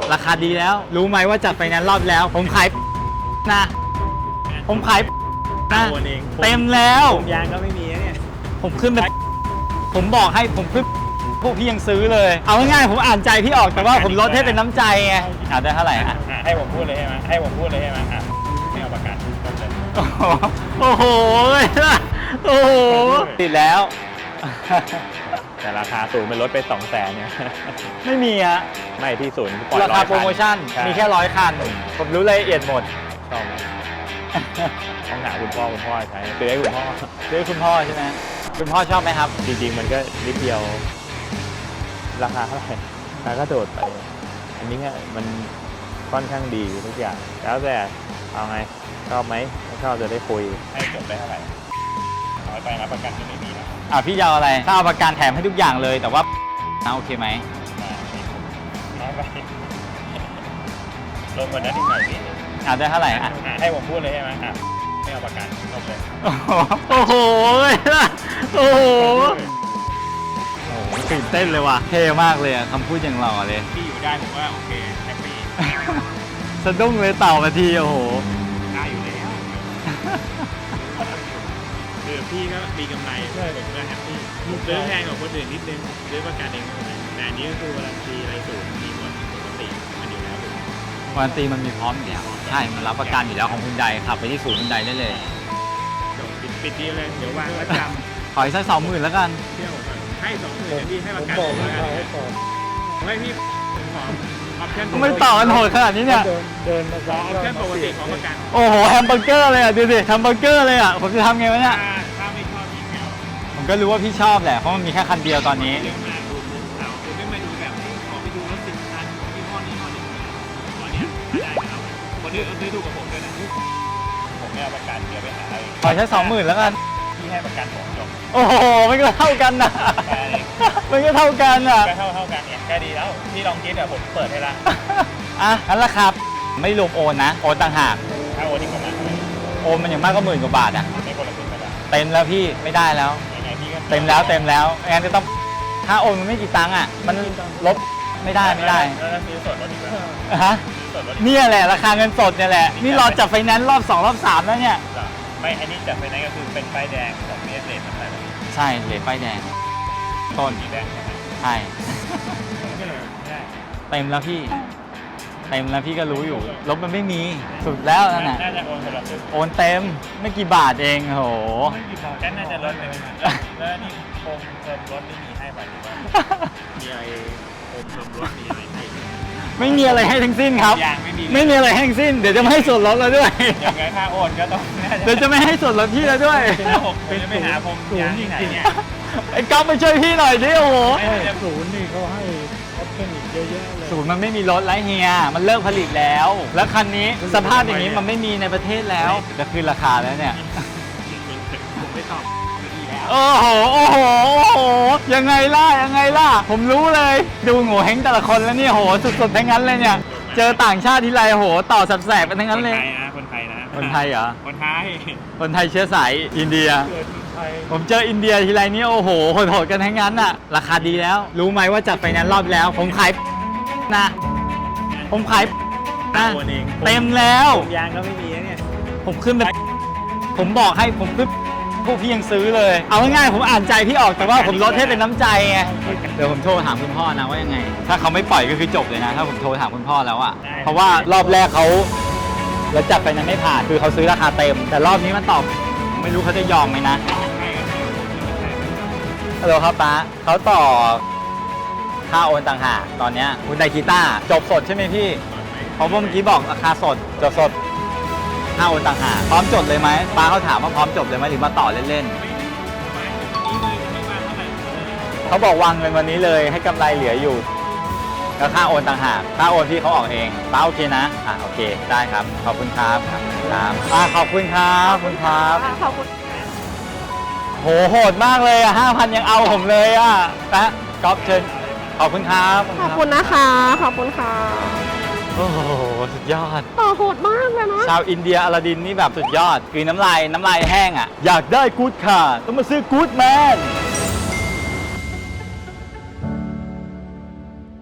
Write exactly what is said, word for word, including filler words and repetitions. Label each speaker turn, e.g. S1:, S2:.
S1: ราคาดีแล้วรู้ไหมว่าจัดไฟแนนซ์รอบแล้วผมขายนะผมขายนะเต็มแล้ว
S2: ยางก็ไม่มีเนี่ย
S1: ผมขึ้นไปผมบอกให้ผมขึ้นพวกพี่ยังซื้อเลยเอาง่ายๆผมอ่านใจพี่ออกแต่ว่าผมลดให้เป็นน้ำใจไงอ่าได้เท่าไหร่อ่ะ
S2: ให้ผมพูดเลยใช่ไหมให้ผมพูดเลยใช่ไหมอ่ะไม่เอาประกัน
S1: โอ้โหโอ้โหติดแล้ว
S2: แต่ราคาศูนย์เป็นลดไปสองแสนเนี่ย
S1: ไม่มีฮะ
S2: ไม่ที่ศูนย์
S1: ราคาโปรโมชั่นมีแค่ร้อยคันผมรู้รายละเอียดหมด
S2: ชอบต้องหาคุณพ่อคุณพ่อใช้ซื้อให้คุณพ่อ
S1: ซื้อให้คุณพ่อใช่ไหมคุณพ่อชอบไหมครับ
S2: จริงๆมันก็นิดเดียวราคาเท่าไหร่ราคาก็โดดไปอันนี้เนี่ยมันค่อนข้างดีทุกอย่างแล้วแต่เอาไงชอบไหมถ้าชอบจะได้คุยให้จบได้เท่าไหร่น้อยไปนะประกันจะไม่มีนะ
S1: อ่ะพี่ยาวอะไรถ้าเอาประกันแถมให้ทุกอย่างเลยแต่ว่าโอเคไหม
S2: น้อยไปลงกว่านั้นอีกหน่อยพี่
S1: อ่ะได้เท่าไหร่อ่ะ
S2: ให้ผมพูดเลยใช่ไหมอ่ะไม่เอาประกันจบเลย
S1: โอ้โหโอ้โหตื่นเต้นเลยว่ะเท่มากเลยคำพูดอย่างหล่อเลย
S2: พี่อยู่ได้ผมว่าโอเคแฮปปี้
S1: สะดุ้งเลยเต่ามาทีโอ้โห
S2: ได้อยู่แล้วคือพี่ก็มีกำไรผมก็แฮปปี้ซื้อแพงกว่าคนอื่นนิดนึงซื้อประกันเองแต่อันนี้ก็คือวารันตีอะไรสูงมีหมดปกติมันอยู่แล้ว
S1: วารันตีมันมีพร้อมอยู่แล้วใช่มันรับประกันอยู่แล้วของคุณใดขับไปที่ศูนย์คุณใดได้เลย
S2: ปิดปิดดีเลยเดี๋ยววางประจำ
S1: ขออีกสักสองหมื่นแล้วกัน
S2: เที่ยวให้สองหมื่นพี่ให้ประกันผมให้พี่ขอออปชั่น
S1: ไม่ต่อกันโหดขนาดนี้เนี่ย
S2: เดินมาขอออปชั่นปกติของประกัน
S1: โอ้โหแฮมเบอร์เกอร์เลยอ่ะดูสิแฮมเบอร์เกอร์เลยอ่ะผมจะทำไงวะเนี่ย
S2: ถ้าไม่ชอบพี่แมว
S1: ผมก็รู้ว่าพี่ชอบแหละเพราะมันมีแค่คันเดียวตอนนี้
S2: เรื่องมาดูเราคุณไม่มาดูแบบขอไปดูรถสิบคันยี่ห้อนี้ห้อนี้ตอนนี้ได้ครับคนอื่นก็ซื้อถูกกับผมด้วยนะผมไม่เอาประกันเดี๋ยวไปหาอะไร
S1: ขอแค่สองหมื่นแล้วกัน
S2: พี่ให้ประกันผมจบ
S1: โอ้โหมันก็เท่ากันนะมันก็เท่ากันอ่ะ
S2: ก็เท่าเท่ากันเนี่ยแค่ดีแล้วพี่ลองคิดอ่ะผมเปิดให้ละ
S1: อ่ะงั้นราคาไม่รวมโอนนะโอนต่างหาก
S2: ถ้าโอนอีกประมาณ
S1: โอนมันอย่างมากก็หมื่นกว่าบาทอ่ะ
S2: ไม่คนละครึ่งก็ได้
S1: เต็มแล้วพี่ไม่ได้แล้วเต็มแล้วเต็มแล้วงั้นจะต้องถ้าโอนมันไม่กี่ตังค์อ่ะมันลบไม่ได้ไม่ได้
S2: ซื้อสดรถอีกแล้ว
S1: ฮะนี่แหละราคาเงินสดเนี่ยแหละนี่รอจับไฟแนนซ์รอบสองรอบสามแล้วเนี่ย
S2: ไม่อันนี้จับไฟแนนซ์ก็คือเป็นป้ายแดงของเมสเลสทั้งหลาย
S1: ใช่เหรียญป้ายแดงต้น
S2: สีแดงใช่ไหม
S1: ใช่เต็มแล้วพี่เต็มแล้วพี่ก็รู้อยู่ลบมันไม่มีสุดแล้วนั่นแหละ
S2: น่าจะโอนคนละ
S1: โอนเต็มไม่กี่บาทเองโห
S2: แค่น่าจะลดไปแล้วนี่โคมเติมรถไม่มีให้ไปหรือว่ามีอะไรโคมเติมรถมีอะไรให้
S1: ไม่มีอะไรให้ทั้งสิ้นครับไม่มีอะไรให้ทั้งสิ้นเดี๋ยวจะไม่ให้ส่วนลดเราด้วย
S2: อย่างไงถ้าโอนก็ต้อง
S1: เดี๋ยวจะไม่ให้ส่วนลดพี่เราด้วย
S2: เป็นจะไม่หาผมยางที่ไหนเนี่ย
S1: ไอ้ก๊อฟไปช่วยพี่หน่อยดิโอ้โห
S2: ศูนย์นี่เขาให้ออปชั่นอีกเยอะแยะเลย
S1: ศูนย์มันไม่มีรถแล้วเฮียมันเลิกผลิตแล้วแล้วคันนี้สภาพอย่างนี้มันไม่มีในประเทศแล้วจะขึ้นราคาแล้วเนี่ย
S2: ผมไม่ตอบ
S1: โอ้โหโอ้โหโอ้โหยังไงล่ะยังไงล่ะผมรู้เลยดูโง่เฮงแต่ละคนแล้วเนี่ยโหสุดๆทั้งนั้นเลยเนี่ยเจอต่างชาติทีไรโหต่อแสบๆกันทั้งนั้นเลย
S2: คนไทยนะ
S1: คนไทยเหรอ
S2: คนไทย
S1: คนไทยเชื้อสายอินเดียผมเจออินเดียทีไรนี่โอ้โหโหดๆกันทั้งนั้นอะราคาดีแล้วรู้ไหมว่าจัดไฟแนนซ์รอบแล้วผมขายนะผมขายนะเต็มแล้ว
S2: ยางก็ไม่มีเนี่ย
S1: ผมขึ้นไปผมบอกให้ผมขึ้นพวกพี่ยังซื้อเลยเอาง่ายๆผมอ่านใจพี่ออกแต่ว่าผมลดให้เป็นน้ำใจไงเดี๋ยวผมโทรถามคุณพ่อนะว่ายังไงถ้าเขาไม่ปล่อยก็คือจบเลยนะถ้าผมโทรถามคุณพ่อแล้วอะเพราะว่ารอบแรกเขาแล้วจับไปนั้นไม่ผ่านคือเขาซื้อราคาเต็มแต่รอบนี้มันตอบไม่รู้เขาจะยอมไหมนะฮัลโหลครับป้าเขาต่อค่าโอนต่างหากตอนนี้คุณไดกีต้าจบสดใช่ไหมพี่เพราะว่าเมื่อกี้บอกราคาสดจบสดค่าโอนต่างหากพร้อมจดเลยไหมป้าเขาถามว่าพร้อมจดเลยไหมหรือมาต่อเล่นๆเขาบอกวางเงินวันนี้เลยให้กำไรเหลืออยู่แล้วค่าโอนต่างหากค่าโอนที่เขาออกเองป้าโอเคนะอ่ะโอเคได้ครับขอบคุณครับครับอ่ะขอบคุณครับขอบคุณครับ
S3: ขอบคุณ
S1: โหโหดมากเลยอ่ะห้าพันยังเอาผมเลยอ่ะนะก๊อฟเชิญขอบคุณครับ
S3: ขอบคุณนะคะขอบคุณค่ะ
S1: โอ้โหสุดยอด
S3: ต่อโหดมากเลยนะ
S1: ชาวอินเดียอลาดินนี่แบบสุดยอดคือน้ำลายน้ำลายแห้งอ่ะอยากได้กู๊ดค่ะต้องมาซื้อกู๊ดแมน